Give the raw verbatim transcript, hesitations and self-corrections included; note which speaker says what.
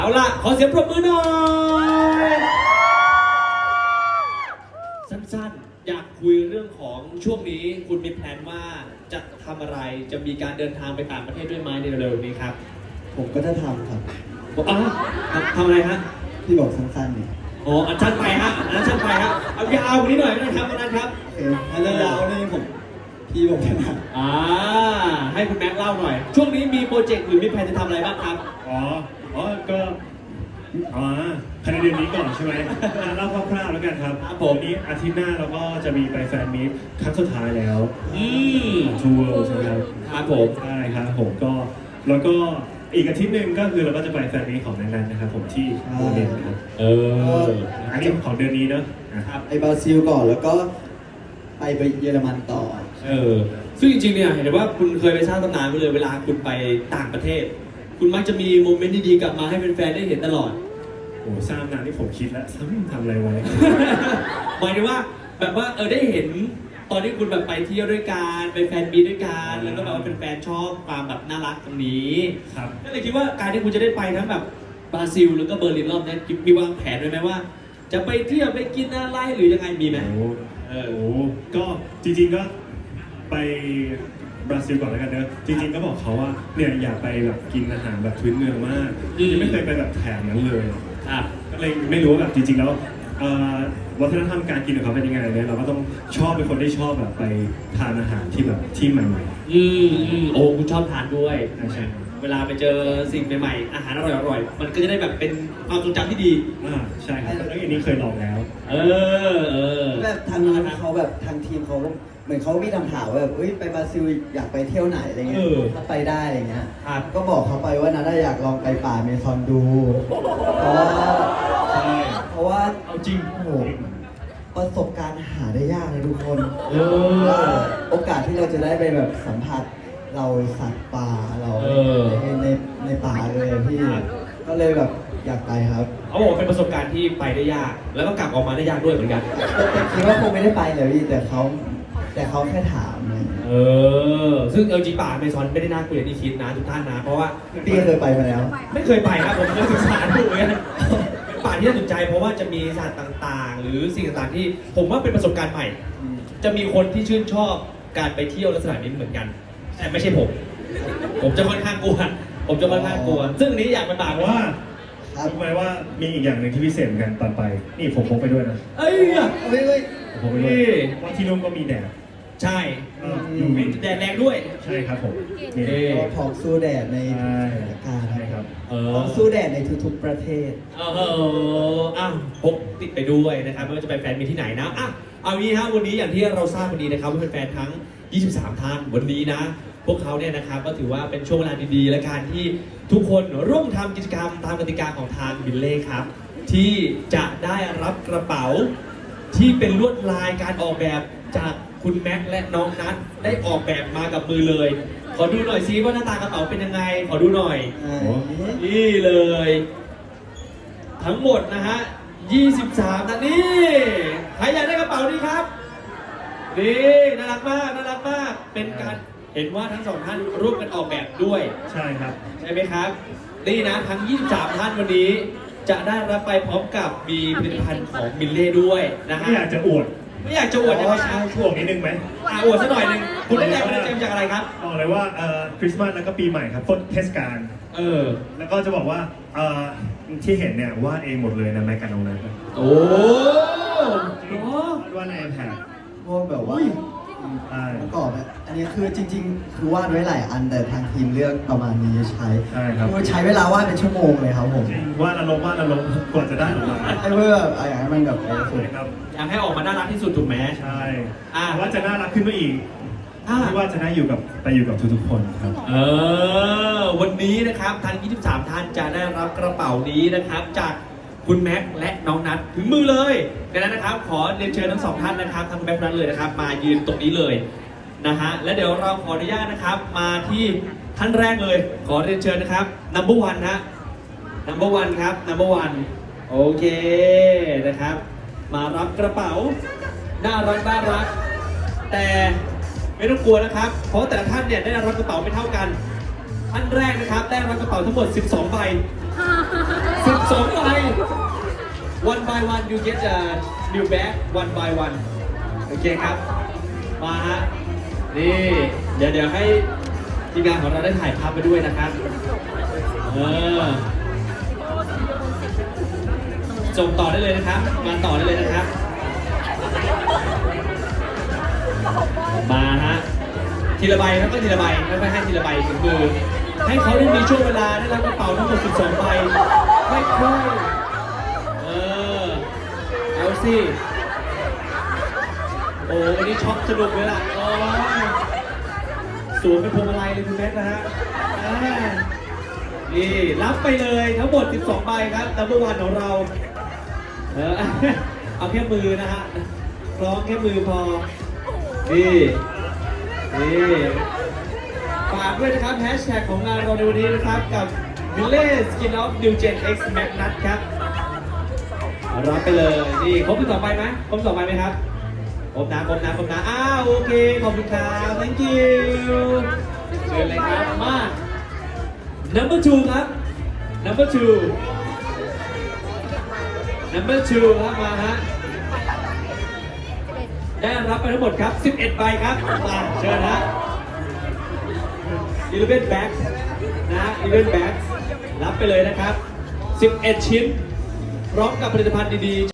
Speaker 1: เอาล่ะขอเสียงปรบมือหน่อยสั้นๆอยากคุยเรื่องของช่วงนี้คุณมีแพลนว่าจะทำอะไรจะมีการเดินทางไปต่างประเทศด้วยไหมในเร็วๆนี้ครับ
Speaker 2: ผมก็จะทำครับ
Speaker 1: อ๋อทำทำอะไรฮะ
Speaker 2: ที่บอกสั้นๆเนี่ย
Speaker 1: อ๋ออันชั้นไปฮะอันนั้นชั้นไปฮะเอายาวกว่านี้หน่อยก็ได้ครับอันนั้นครับ
Speaker 2: โอเคอันยาวๆนี่ผมพี่ผมถนัด
Speaker 1: อ่าให้คุณแม็กซ์เล่าหน่อย ช่วงนี้มีโปรเจกต์หรือมีแผนจะทำอะไรบ้างครับ
Speaker 3: อ๋อ อ๋อ ก็ อ๋อภายในเดือนนี้ก่อนใช่ไหมอ่ะเล่าคร่าวๆแล้วกันครับ
Speaker 1: ครับผม
Speaker 3: วันนี้อาทิตย์หน้าเราก็จะมีไปแฟนมีตครั้งสุดท้ายแล้ว
Speaker 1: อืม
Speaker 3: ทัวร์ใช่ไหมครับ
Speaker 1: ครับผม
Speaker 3: ใช่ครับผมก็ แล้วก็อีกอาทิตย์หนึ่งก็คือเราก็จะไปแฟนมีตของนันๆนะครับผมที่โมเดลครับ
Speaker 1: เออ
Speaker 3: อันนี้ของเดือนนี้เนอะอ่ะ
Speaker 1: ครับ
Speaker 2: ไปบราซิลก่อนแล้วก็ไปไปเยอรมันต่อ
Speaker 1: เออซึ่งจริงๆเนี่ยเห็นว่าคุณเคยไปสร้างตำนานไปเลยเวลาคุณไปต่างประเทศ คุณมักจะมีโมเมนต์ดีๆกลับมาให้แฟนๆได้เห็นตลอด
Speaker 3: โอ้สร้างนานที่ผมคิดแล้วซ้ำทำอะไรไว้
Speaker 1: หมายถึงว่าแบบว่าเออได้เห็นตอนที่คุณแบบไปเที่ยวด้วยกันไปแฟนมีตด้วยกันแล้วก็แบบว่าเป็นแฟนชอบความแบบน่ารักตรงนี้
Speaker 3: ครับ
Speaker 1: ก็เลยคิดว่าการที่คุณจะได้ไปทั้งแบบบราซิลแล้วก็เบอร์ลินรอบนี้มีวางแผนไว้ไหมว่า จะไปเที่ยวไปกินอะไรหรือยังไงมีไหม
Speaker 3: โอ้
Speaker 1: เออ
Speaker 3: โหก็จริงๆก็ไปบราซิลก่อนแล้วกันเนอะจริงๆก็บอกเขาว่าเนี่ยอยากไปแบบกินอาหารแบบพื้นเมืองมาก
Speaker 1: อืม
Speaker 3: ยังไม่เคยไปแบบแถบนั้นเลย
Speaker 1: ครับ
Speaker 3: ก็เลยไม่รู้ว่าแบบจริงๆแล้วเอ่อวัฒนธรรมการกินของเขาเป็นยังไงเนี่ยเราก็ต้องชอบเป็นคนที่ชอบแบบไปทานอาหารที่แบบที่ใหม่
Speaker 1: อืมอืมโอ้คุณชอบทานด้วย
Speaker 3: ๆใช่ใช่
Speaker 1: เวลาไปเจอสิ่งใหม่ๆอาหารอร่อยๆมันก็จะได้แบบเป็นความทรงจำที่ดี
Speaker 3: อ่าใช่ครับแล้วอย่างนี้เคยลองแล้ว
Speaker 1: เออเออ
Speaker 2: แบบทางนู้นเขาแบบทางทีมเขาเหมือนเขามีคำถามว่าแบบเอ้ยไปบราซิลอยากไปเที่ยวไหนอะไรเงี้ยถ้าไปได้อะไรเงี้ย
Speaker 1: ครับ
Speaker 2: ก็บอกเขาไปว่านาได้อยากลองไปป่าเมซอนดู เพราะว่า
Speaker 3: ใช่
Speaker 2: เพราะว่า
Speaker 1: เอาจริง
Speaker 2: โอ้โหประสบการณ์หาได้ยากเลยทุกคน
Speaker 1: เออ
Speaker 2: โอกาสที่เราจะได้ไปแบบสัมผัสเราสัตว์ป่าเรา
Speaker 1: เออ
Speaker 2: ในในในป่าเลยอะพี่ ก็เลยแบบอยากไปครับ
Speaker 1: เขาบอกว่าเป็นประสบการณ์ที่ไปได้ยาก แล้วก็กลับออกมาได้ยากด้วยเหมือนกัน
Speaker 2: แต่คิดว่าคงไม่ได้ไปเลยพี่แต่เขาแต่เขาแค่ถามนะ
Speaker 1: เออ ซึ่งเอลจีป่าเมซอนไม่ได้น่ากลัวอย่างที่คิดนะทุกท่านนะ เพราะว่า
Speaker 2: พี่เคยไปมาแล้ว
Speaker 1: ไม่เคยไปครับผมเคยศึกษาดูเหมือนกันเป็นป่าที่น่าสนใจเพราะว่าจะมีสัตว์ต่างๆ หรือสิ่งต่างๆที่ผมว่าเป็นประสบการณ์ใหม่ จะมีคนที่ชื่นชอบการไปเที่ยวลักษณะนี้เหมือนกัน แต่ไม่ใช่ผม ผมจะค่อนข้างกลัว ผมจะค่อนข้างกลัว ซึ่งอันนี้อยากไปป่า
Speaker 3: แต่
Speaker 1: เพราะ
Speaker 3: ว่า
Speaker 1: ว่า
Speaker 3: รู้ไหมว่ามีอีกอย่างหนึ่งที่พิเศษเหมือนกันตอนไป นี่ผมพกไปด้วยนะ
Speaker 1: เอ้ย
Speaker 2: เฮ้ยเฮ้ย
Speaker 3: ผมพกไปด้วย
Speaker 1: นี่
Speaker 3: ว่าที่นู่นก็มีแดด
Speaker 1: ใช่
Speaker 3: เอออยู่วิ
Speaker 1: แดดแรงด้วย
Speaker 3: ใช่ครับผมนี่
Speaker 1: เอ๊ะ
Speaker 2: เราพร้อมสู้แดดในทุก
Speaker 3: ใช่
Speaker 2: สถานการณ์
Speaker 3: ใช่ครับ
Speaker 1: เอ
Speaker 2: พร้อ
Speaker 1: อ
Speaker 2: มสู้แดดในทุกๆประเทศ
Speaker 1: เอออ้าวพกติดไปด้วยนะครับไม่ว่าจะไปแฟนมีที่ไหนนะอ่ะเอางี้ฮะวันนี้อย่างที่เราทราบวันนี้นะครับว่าเป็นแฟนทั้ง ยี่สิบสาม ท่านวันนี้นะ พวกเขาเนี่ยนะครับก็ถือว่าเป็นช่วงเวลาดีๆ และการที่ทุกคนร่วมทำกิจกรรมตามกติกาของทางบิลเล่ครับ ที่จะได้รับกระเป๋า ที่เป็นลวดลายการออกแบบจากคุณแม็กซ์และน้องนัทได้ออกแบบมากับมือเลย ขอดูหน่อยซิว่าหน้าตากระเป๋าเป็นยังไง ขอดูหน่อย
Speaker 2: อ่า
Speaker 1: นี่เลย ทั้งหมดนะฮะ ยี่สิบสามนะนี่ ใครอยากได้กระเป๋านี้ครับ นี่น่ารักมาก น่ารักมาก เป็นการเห็นว่าทั้งสองท่านร่วมกันออกแบบด้วย
Speaker 3: ใช่ครับ
Speaker 1: ใช่ไหมครับ นี่นะทั้ง ยี่สิบสาม ท่านวันนี้ จะได้รับไปพร้อมกับมีผลิตภัณฑ์ของมิลเล่ด้วยนะฮะ
Speaker 3: ไม่อยากจะอวด
Speaker 1: ไม่อยากจะอวดนะค
Speaker 2: อ๋
Speaker 1: รั
Speaker 2: อใช่
Speaker 1: บ
Speaker 3: ช่วงนิดนึงไหม
Speaker 1: อ่ะอวดสักหน่อยหนึ่งคุณได้แรงบันดาลใจมาจากอะไรครับ
Speaker 3: บอกเลยว่าเอ่อคริสต์มาสแล้วก็ปีใหม่ครับต้นเทศกาล
Speaker 1: เออ
Speaker 3: แล้วก็จะบอกว่าเอ่อที่เห็นเนี่ยวาดเองหมดเลยนะแม็กกันองนั้น
Speaker 1: โอ้โห
Speaker 3: วาดใน iPad
Speaker 2: พวกแบบว่า
Speaker 3: ใช่
Speaker 2: ประกอบอะอันนี้คือจริง ๆ คือวาดไว้หลายอันแต่ทางทีมเลือกประมาณนี้ใช้
Speaker 3: ใช่ครับ
Speaker 2: คือใช้เวลาวาดเป็นชั่วโมงเลยครับผม
Speaker 3: จริงวาดอารมณ์วาดอารมณ์กว่าจะได้ออกมา
Speaker 2: ไอ้เพื่อแบบอยากให้มันแบบเออส
Speaker 3: ส
Speaker 2: ว
Speaker 3: วย ยครับ
Speaker 1: อยากให้ออกมาน่ารักที่สุดถูกไหม
Speaker 3: ใช่
Speaker 1: อ่ะ
Speaker 3: ว่าจะน่ารักขึ้นไปอีก
Speaker 1: อ่ะ
Speaker 3: ที่ว่าจะได้อยู่กับไปอยู่กับทุกๆคนครับ
Speaker 1: เออ วันนี้นะครับทั้ง ยี่สิบสาม ท่านจะได้รับกระเป๋านี้นะครับ จากคุณแม็กซ์และน้องนัทถึงมือเลยดังนั้นนะครับ ขอเรียนเชิญทั้งสองท่านนะครับทั้งแม็กซ์และนัทเลยนะครับ มายืนตรงนี้เลยนะฮะ และเดี๋ยวเราขออนุญาตนะครับ มาที่ท่านแรกเลย ขอเรียนเชิญนะครับ number one ฮะ number one ครับ number one โอเคนะครับ มารับกระเป๋า น่ารักน่ารัก แต่ไม่ต้องกลัวนะครับ เพราะแต่ละท่านเนี่ยได้รับกระเป๋าไม่เท่ากัน ท่านแรกนะครับได้รับกระเป๋าทั้งหมด สิบสอง ใบสิบสองใบ one by one you get a new bag one by one โอเคครับ มาฮะ นี่ เดี๋ยวเดี๋ยวให้ทีมงานของเราได้ถ่ายภาพไปด้วยนะครับ เออส่งต่อได้เลยนะครับ มาต่อได้เลยนะครับ มาฮะ ทีละใบครับก็ทีละใบไม่ไม่ให้ทีละใบถึงมือ ให้เขาได้มีช่วงเวลาได้รับกระเป๋าทั้งหมดสิบสองใบค่อยๆเออ เอาสิ โอ้วันนี้ช็อปสนุกเลยล่ะโอ้ยสวมเป็นพวงมาลัยเลยคุณแม็กซ์นะฮะอ่านี่รับไปเลยทั้งหมดสิบสองใบครับดับเบิลวันของเรา เออ เอาแค่มือนะฮะคล้องแค่มือพอ นี่ นี่ฝากด้วยนะครับแฮชแท็กของงานเราในวันนี้นะครับกับ มิเล่ Skin of New Gen X Magnus ครับรับไปเลย นี่ครบที่สองใบไหมครบสองใบไหมครับครบนะครบนะครบนะอ้าวโอเค ขอบคุณครับ thank you เชิญเลยครับ มา number two ครับ number two number two ครับมาฮะ ได้รับไปทั้งหมดครับ สิบเอ็ด ใบครับ มาเชิญฮะ eleven bags นะ eleven bags รับไปเลยนะครับ สิบเอ็ด ชิ้น พร้อมกับผลิตภัณฑ์ดีๆ